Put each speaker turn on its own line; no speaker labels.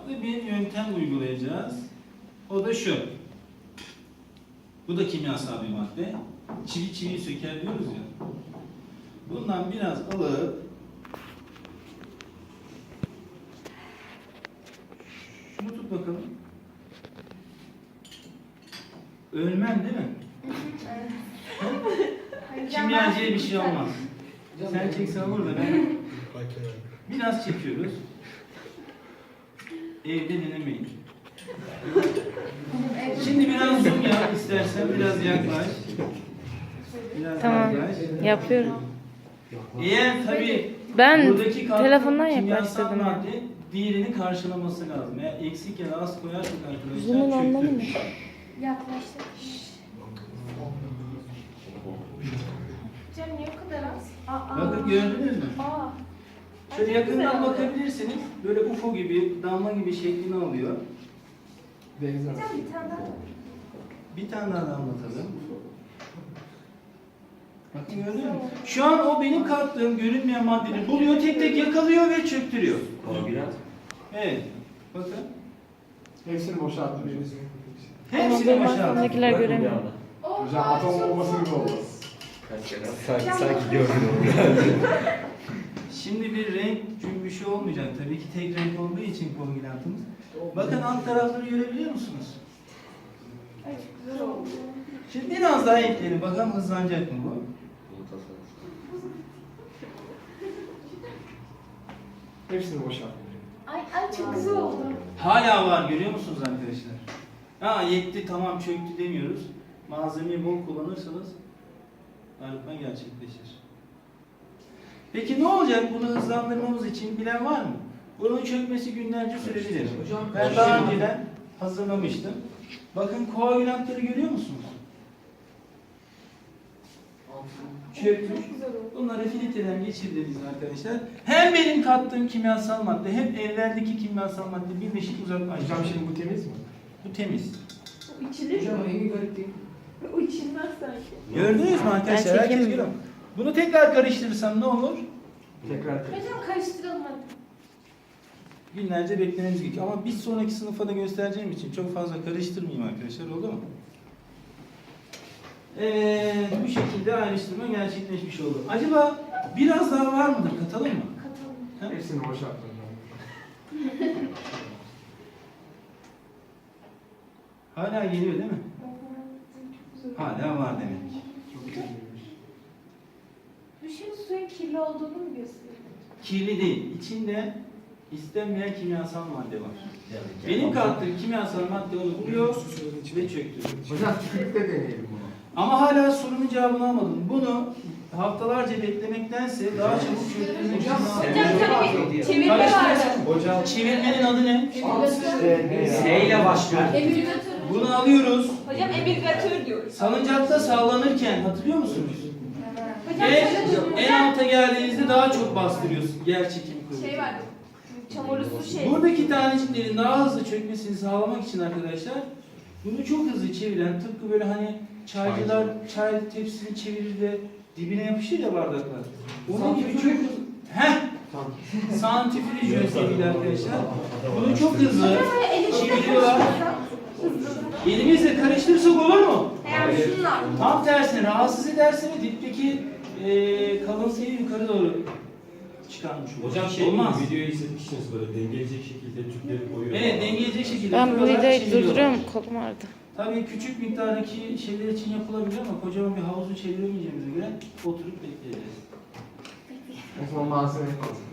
farklı bir yöntem uygulayacağız. O da şu. Bu da kimyasal bir madde. Çivi çiviyi söker diyoruz ya. Bundan biraz alıp şunu tut bakalım. Ölmem değil mi? Kimyacıya bir şey olmaz. Sen çeksen olur da ben. Biraz çekiyoruz. Evde denemeyin. Şimdi biraz zoom yap istersen, biraz yaklaş. Biraz
Tamam,
yaklaş.
yapıyorum.
Eğer tabii
Ben
buradaki katkı
telefondan
kimyasal
yaklaştırdım.
madde diğerini karşılaması lazım. Eğer eksik ya da az koyarsak arkadaşlar
Zoom'un anlamı ne?
Yaklaştık. Cem niye o kadar az?
Bakın gördünüz mü?
Aa.
Şöyle
Çok güzel
yakından
oldu.
bakabilirsiniz. Böyle UFO gibi, damla gibi şeklini alıyor.
Cem bir tane daha.
Bir tane daha anlatalım. Bakın gördünüz mü? Şu an o benim kattığım görünmeyen maddeleri buluyor, tek tek yakalıyor ve çöktürüyor. Evet. Bakın.
Hepsini boşalttım.
Hepsini
Benim
boşalttı.
arkamdakiler göremiyor.
Hocam atom bombası gibi oldu.
Sanki gördün onu.
Şimdi bir renk cümbüşü olmayacak. Tabii ki tek renk olduğu için kombinatımız. Bakın alt tarafları görebiliyor musunuz?
Ay çok güzel oldu.
Şimdi biraz daha ekleyelim. Bakalım hızlanacak mı bu?
Hepsini boşalttım.
Ay çok güzel oldu.
Hala var görüyor musunuz arkadaşlar? Ha yetti tamam çöktü demiyoruz. Malzemeyi bol kullanırsanız arıtma gerçekleşir. Peki ne olacak bunu hızlandırmamız için bilen var mı? Bunun çökmesi günlerce sürebilir. Ben daha önceden hazırlamıştım. Bakın koagülantları görüyor musunuz? Çökmüş.
Çok güzel oldu.
Bunları filtreden geçirdiğimiz arkadaşlar hem benim kattığım kimyasal madde hem evlerdeki kimyasal madde birleşik uzaklaşıyor.
Hocam şimdi bu temiz mi?
Bu temiz.
O içilir mi?
rengi garip değil.
O içilmez sanki.
Gördünüz mü arkadaşlar?
Ben
Herkes
çekeyim mi?
görüyor mu? Bunu tekrar karıştırırsam ne olur?
Tekrar
Hocam karıştıralım hadi.
Günlerce beklememiz gerekiyor. Ama bir sonraki sınıfa da göstereceğim için çok fazla karıştırmayayım arkadaşlar. Oldu mu? Bu şekilde ayrıştırma gerçekleşmiş oldu. Acaba biraz daha var mıdır? Katalım mı?
Katalım.
hepsini boşalttım.
Hala geliyor değil mi?
Çok güzel.
Hala var demek.
Çok güzelmiş.
Bu şimdi suyun kirli olduğunu mu gösteriyor?
Kirli değil. İçinde istenmeyen kimyasal madde var. Benim kattığım kimyasal madde onu buluyor ve çöktürüyor.
Hocam tükürükle deneyelim bunu.
Ama hala sorunun cevabını almadım. Bunu haftalarca beklemektense daha çabuk çöktürmek için
Hocam tabii çevirme var.
Hocam
çevirmenin adı ne?
S ile başlıyor.
Emülgatör.
Bunu alıyoruz.
Hocam emülgatör diyoruz.
Salıncakta sallanırken hatırlıyor musunuz?
Hocam
Ve
şöyle
en alta geldiğinizde daha çok bastırıyorsun. Yer çekimi kuvveti.
şey var. Çamurlu su şey.
Buradaki taneciklerin daha hızlı çökmesini sağlamak için arkadaşlar bunu çok hızlı çeviren tıpkı böyle hani çaycılar çay tepsisini çevirir de dibine yapışır ya bardaklar. Onun gibi çok hızlı. Heh! Santrifüj yöntemiyle arkadaşlar. Bunu çok hızlı çeviriyorlar. Elimizle karıştırırsak olur mu?
Yani şunlar.
Tam tersine rahatsız ederse ve dipteki kalıntıyı yukarı doğru çıkarmış olur.
Hocam
olmaz.
videoyu izletmişsiniz böyle dengeleyecek şekilde tüpleri koyuyor.
Evet dengeleyecek şekilde.
Ben bu
koyuyorlar,
videoyu
çeviriyorlar.
durduruyorum. Kolum ağrıdı.
Tabii küçük miktardaki şeyler için yapılabilir ama kocaman bir havuzu çeviremeyeceğimize göre oturup bekleyeceğiz.
en son malzeme koydum.